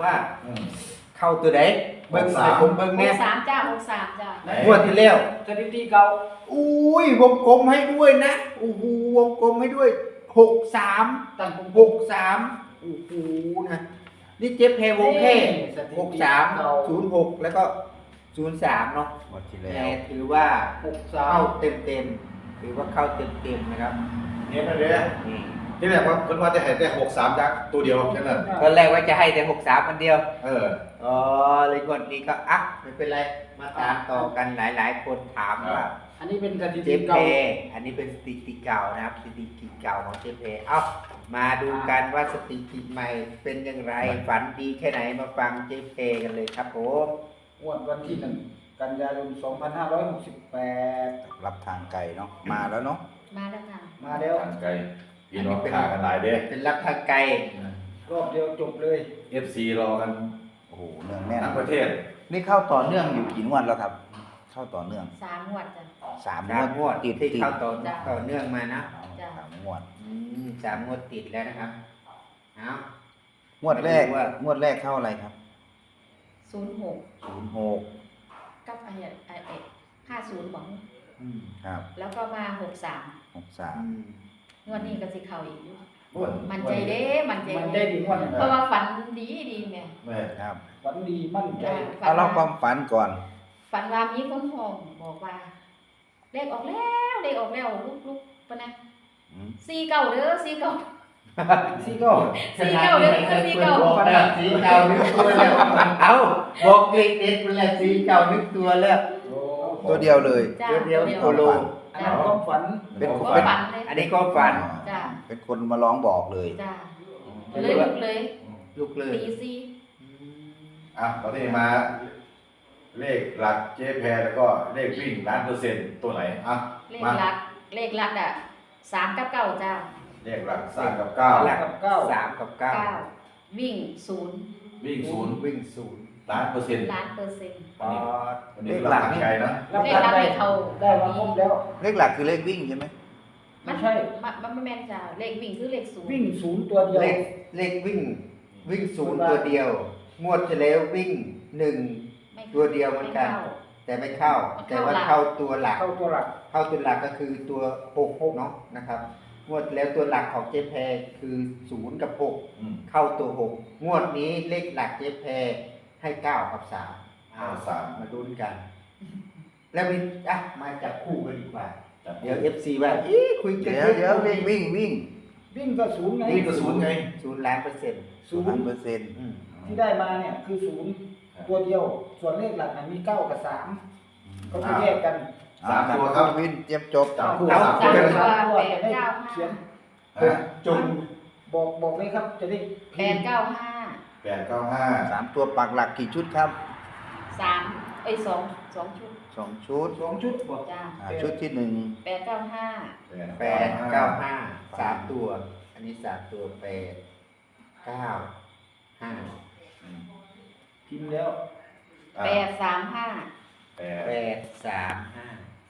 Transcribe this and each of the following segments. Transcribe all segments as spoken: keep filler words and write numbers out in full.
ว่าเข้าตัวไหนเบิ้งสามผมเบิ้งหเนี่ยกสามจ้าหกสามจ้างวดที่แล้วสถิติเก่าอุ้ยวงกลมให้ด้วยนะโอ้โหวงกลมให้ด้วยหกสามตั้งผมหกสามโอ้โหนะนี่เจ็บแพรวงแค่หกสามศูนย์หกแล้วก็ศูนย์สามเนาะหมดที่แต่แล้วถือว่าหกสาเข้าม เต็มเต็มๆถือว่าเข้าเต็มเต็มๆนะครับเนี่ยนะเด้อนี่ที่แรกว่าเพิ่นว่าจะให้แต่หกสามยักษ์ตัวเดียวแค่นั้นตอนแรกว่าจะให้แต่หกสามอันเดียวเอออ๋อเลยก่อนนี้ก็อ่ะไม่เป็นไรมาตามต่อกันหลายๆ คนถามว่าอันนี้เป็นสถิเจติเพเก่าอันนี้เป็นสถิติเก่านะครับสถิติเก่าของเจเพเอ้ามาดูกันว่าสถิติใหม่เป็นอย่างไรฝันดีแค่ไหนมาฟังเจเพกันเลยครับผมงวดวันที่หนึ่งกันยายนสองพันห้าร้อยหกสิบแปดรับทางไกลเนาะมาแล้วเนาะมาแล้วค่ะมาแล้วทางไกลพี่น้องขากันหลายเด้อเป็นรับทางไกลรอบเดียวจบเลยเอฟซีรอกันโอ้โหเนื่องแน่นทั้งประเทศนี่เข้าต่อเนื่องอยู่กี่งวดแล้วครับ เข้าต่อเนื่องสามงวดจ้ะสามสามงวดติดที่ติดเข้าต่อจ้ะต่อเนื่องมานะจ้ะสามงวดอืมสามงวดติดแล้วนะครับเอางวดแรกมาดูว่างวดแรกเข้าอะไรครับศูนย์หกศูนย์หกกับไอ้ไอ้ไอ้ห้าศูนย์หวังอืมครับแล้วก็มาหกสามหกสามอืมงวดนี้ก็สิเข้าอีกอยู่งวดมันใจเด้มันใจมันได้ดีงวดเพราะว่าฝันดีดีแม่แม่ครับฝันดีมั่นใจจ้ะฝัเอานเล่าควาว่ามฝันก่อนฝันว่ามีคนห้องบอกว่าเลขออกแล้วเลขออกแล้วลุกลุกปะนะอืมสี่เก้าเด้อสี่เก้าซี่ก็สี่เก้าเด้อสี่เก้าบอกแล้วสีเก่านึกตัวแล้วเอาบอกเด็กเด็กเป็นแล้วสีเก่านึกตัวแล้วตัวเดียวเลยจ้าเดี๋ยวเดี๋ยวเดียวโคโลอันนั้นความฝันเป็นก็เป็นฝันเลยอันนี้ก็ฝันจ้าเป็นคนมาร้องบอกเลยจ้าเลยลุกเลยลุกเลยตีสี่อ่ะตอนนี้มา เลขหลักเจ๊แพรแล้วก็เลขวิ่งล้านเปอร์เซ็นต์ตัวไหนอ่ะเลขมาลักเลขลักอ่ะสามกับเก้าจ้าเลขหลักสามกับเก้าหลักกับเก้าสามกับเก้าเก้าวิ่งศูนย์วิ่งศูนย์วิ่งศูนย์ล้านเปอร์เซ็นต์ล้านเปอร์เซ็นต์ปอดวันนี้เราทางไกลนะรับเลขการลักได้เลขเขาได้มาครบแล้วเลขหลักคือเลขวิ่งใช่ไหมไม่ใช่มันมันไม่แม่นจ้าเลขวิ่งคือเลขศูนย์วิ่งศูนย์ตัวเดียวเลขเลขวิ่ง วิ่งศูนย์ตัวเดียว งวดที่แล้ววิ่งหนึ่งไม่ตัวเดียวเหมือนกันไข้าแต่ไม่เข้ามันแต่เข้าว่าหลักเข้าตัวหลักเข้าตัวหลักเข้าตัวหลักก็คือตัวหกเนาะนะครับ งวดแล้วตัวหลักของเจ๊แพรคือศูนย์กับหกอืมเข้าตัวหกงวดนี้เลขหลักเจ๊แพรให้เก้ากับสามเก้าสามมาดูกัน แล้วมีอ่ะมาจับคู่กันดีกว่าจับเดี๋ยวเอฟซีว่าอีคุยกันเดี๋ยวเดี๋ยววิ่งวิ่งวิ่งวิ่งก็ศูนย์ไงวิ่งก็ศูนย์ไงศูนย์ล้านเปอร์เซ็นต์ศูศูนนย์ย์เปอร์เซ็นต์อืมที่ได้มาเนี่ยคือศูนย์ตัวเดียว ส่วนเลขหลักน่ะมีเก้ากับสามก็จะแยกกันสามตัวครับวินเจ็บจบจับคู่เอาสามสามตัวตัวเพราะว่าแปจะดได้เก้าเขียห้านจงบอกบอกเลยครับจะได้แปดเก้าห้าแปดเก้าห้าสามตัวปักหลักกี่ชุดครับสามไอ้ยสองสองชุดสองชุดสองชุดบอกจ้าอ่าชุดที่หนึ่งแปดเก้าห้าแปดเก้าห้าสามตัว อันนี้สามตัวแปดเก้าห้าพิมพ์แล้วแปดสามห้าแปแปดดสามห้า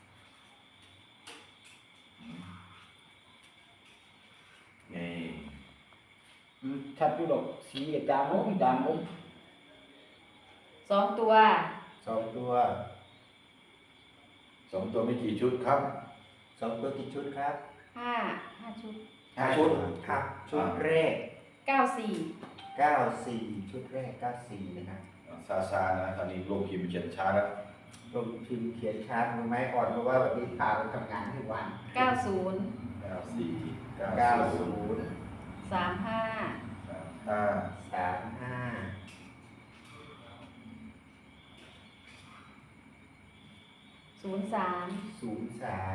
นี่อืมชัดอยู่ดอกสีกับจางลงจางลงสองตัวสองตัวสองตัวมีกี่ชุดครับสองตัวกี่ชุดครับห้าห้าชุดห้าชุดครับ ชุดแรกเก้าสี่เก้าสี่ชุดแรกเก้าสี่นะครับซาซานะตอนนี้ลงพิมพ์เขียนช้าแล้วลงพิมพ์เขียนช้ามือไม้อ่อนเพราะว่าวันนี้พาไปทำงานทั้งวันเก้าศูนย์เก้าสี่เก้าเก้าศูศูนย์นย์สามห้าห้าสามห้าศูนย์สามศูนย์สาม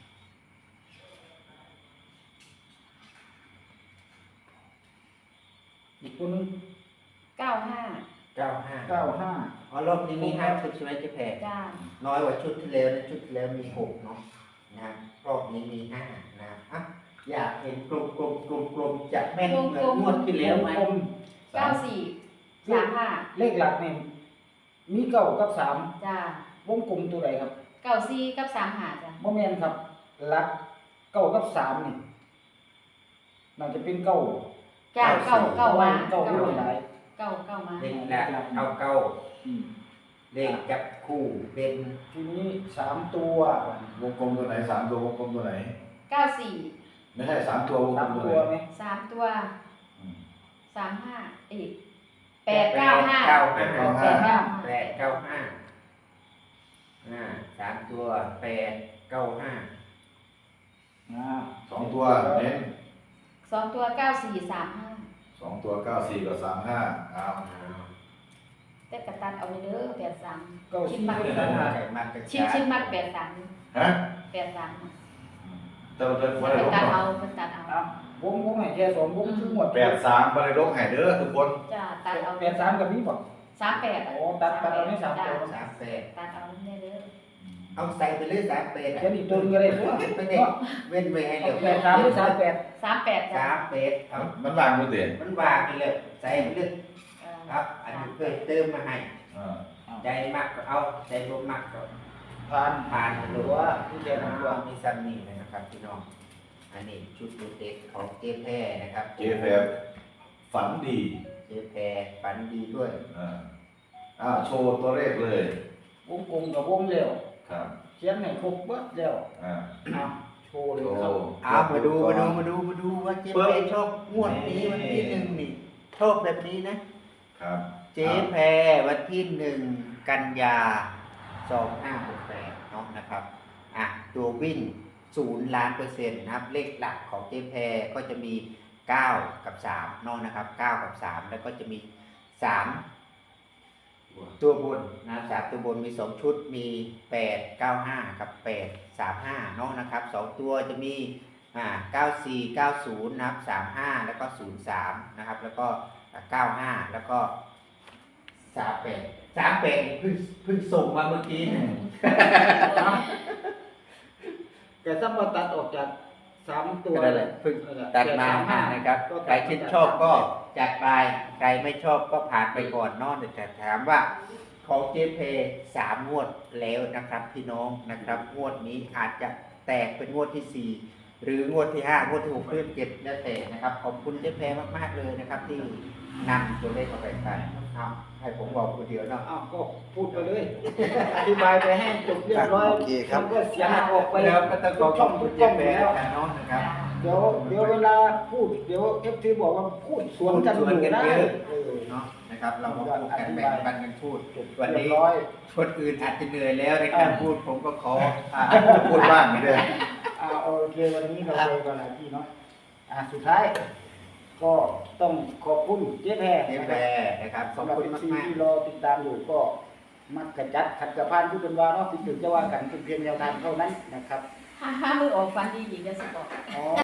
อีกตัวหนึงเก้าห้าเก้าห้าเก้าห้าอ๋อรอบนี้มีห้าชุดใช่ไหมเจ๊แพรจ้าน้อยกว่าชุดที่แล้วนะชุดที่แล้วมีหกเนาะนะรอบนี้มีห้านะครับอ่ะอยากเห็นกลมกลมกลมกลมๆจะแม่นเหมือนงวดที่แล้วไหมกลมเก้าสี่สามห้าเลขหลักเนี่ยมีเก้ากับสามจ้าวงกลมตัวใดครับเก้าสี่กับสามห้าจ้าโมเมนครับหลักเก้ากับสามนี่น่าจะเป็นเก้าจ้าเก้าเก้าวัวานเก้าเก้าไม่วาหลายอเก้าเก้ามาเลขหลักเก้าเก้าอืมเลขจับคู่เป็นทีนี้สามตัววงกลมตัวไหนสามตัววงกลมตัวไหนเก้าสี่ไม่ใช่สามตัววงกสาลมมตัวตัวไหไหนมสามตัวอืมสามห้าอีกแปดเก้าห้าเก้าแปห้าดเก้าห้าแปดเก้าห้าแปดเก้าห้าอ่าสามตัวแปดเก้าห้าอ่าสองตัวเน้นสองตัวเก้าสี่สามห้าสองตัวเก้าสี่กับสามห้าอ้าวแต่กระตันเอาไปเด้อแปดสามเก้าชิ้นสี่มักสามห้าไก่มากกระชิ้นจายชิ้นมักแปดสามฮะแปดสามแต่เราจะไม่เป็ได้นลบตัดหรอเอากเป็นตัดเอาอ่ะวงวงให้แค่สองวงคือหมดแปดสามไม่ได้ลบให้เด้อทุกคนจ้าตัดเอาแปดสามกับพี่บอกสามแปดโอ้ตัดตัดเอาให้สามตัวสามแปดตัดเอาเนี่ยเด้อเอาใส่ไปเลยสามแปดเขียนอีกตัวหนึงก็ได้ตัวไม่ได้เว้นไว้ให้เร็วแปดสามหรือสามแปดสามแปดจ้าสามแปดเอามันวางมือเตียนมันวางไปเลยใส่ไปเลยเออครับ อันนี้เพิ่มเติมมาให้อ่าใจมากก็เอาใจลบมากก็ผ่านผ่านไปหเลรืยอว่าที่แค่แค่นั้นั้น นตัตัว วมีซันนี่เลยนะครับพี่น้อง อันนี้ชุดดูเด็กของเจ๊แพรนะครับเจแฟฝันดีเจ๊แพรฝันดีด้วยอ่าอ้าวโชว์ตัวเลขเลยวงกลมกับวงเร็วครับเขียนให้ครบเบิดแล้วอ่าอ่ะโชว์เลยโชครับว์เอามาดูมาดูมาดูมาดูว่าเจ๊แพรชอบงวดนี้วันที่หนึ่งนี่ชอบแบบนี้นะครับเจ๊แพรวันที่หนึ่งกันยาสองห้าหกแปดเนาะนะครับอ่ะตัววิ่งศูนย์ล้านเปอร์เซ็นต์นะครับ เลขหลักของเจ๊แพรก็จะมีเก้ากับสามเนาะนะครับเก้ากับสามแล้วก็จะมีสามตัวบนนะสามตัวบนมีสองชุดมีแปดเก้าห้ากับแปดสามห้าเนาะนะครับสองตัวจะมีอ่าเก้าสี่เก้าศูนย์นะครับสามห้าแล้วก็ศูนย์สามนะครับแล้วก็เก้าห้าแล้วก็สามแปดสามแปดเพิ่งเพิ่งส่งมาเมื่อกี้นะแต่ถ้ามาตัดออกจากสามตัวก็นั่นแหละเพิ่งตัดมานะครับใครชื่นชอบก็จัดไปใครไม่ชอบก็ผ่านไปก่อนเนอกแต่ถามว่าของเจเพสามงวดแล้วนะครับพี่น้องนะครับงวดนี้อาจจะแตกเป็นงวดที่สี่หรืองวดที่ห้างวดที่หกเรื่อเจ็ดแล้วแต่นะครับขอบคุณเจเพมากๆเลยนะครับ ที่นำตัวเลขมาแบ่งปันเอาให้ผมบอกคนเดียวเนาะอ้าวก็พูดไปเลย อธิบายไปให้จบเรียบร้อยโอเคครับมันก็เสียงออกไปแล้วก็ต้องขอขช่ออบ งคุทุณกเจช่องเพอยู่แล้วนะน้องนะครับเดี๋ยวเดี๋ยวเวลาพูดเดี๋ยวเอฟซีบอกว่าพูดสวนกันอยู่ได้เออเนาะนะครับเรามาพูดกันแบ่งปันกันพูดจบวันเรียนี้บร้อยคนอื่นอาจจะเหนื่อยแล้วในการพูดผมก็ขออ่าพูดบ้างไม่ได้อ่าโอเควันนี้เราเลยกันนะพี่เนาะอ่าสุดท้าย ก็ต้องขอบคุณเจ๊แพรเจ๊นะแพครรับนะครับขอบสำหรับคุณเอฟมากซีมากที่รอติดตามอยู่ก็มักกระจัดขัดกระพานผู้เป็นว่าเนาะที่ถึงจะว่ากันเป็นเพียงแนวทางเท่านั้นนะครับห้าห้ามือออกฟันดีอีกจะสิบอกอ๋อ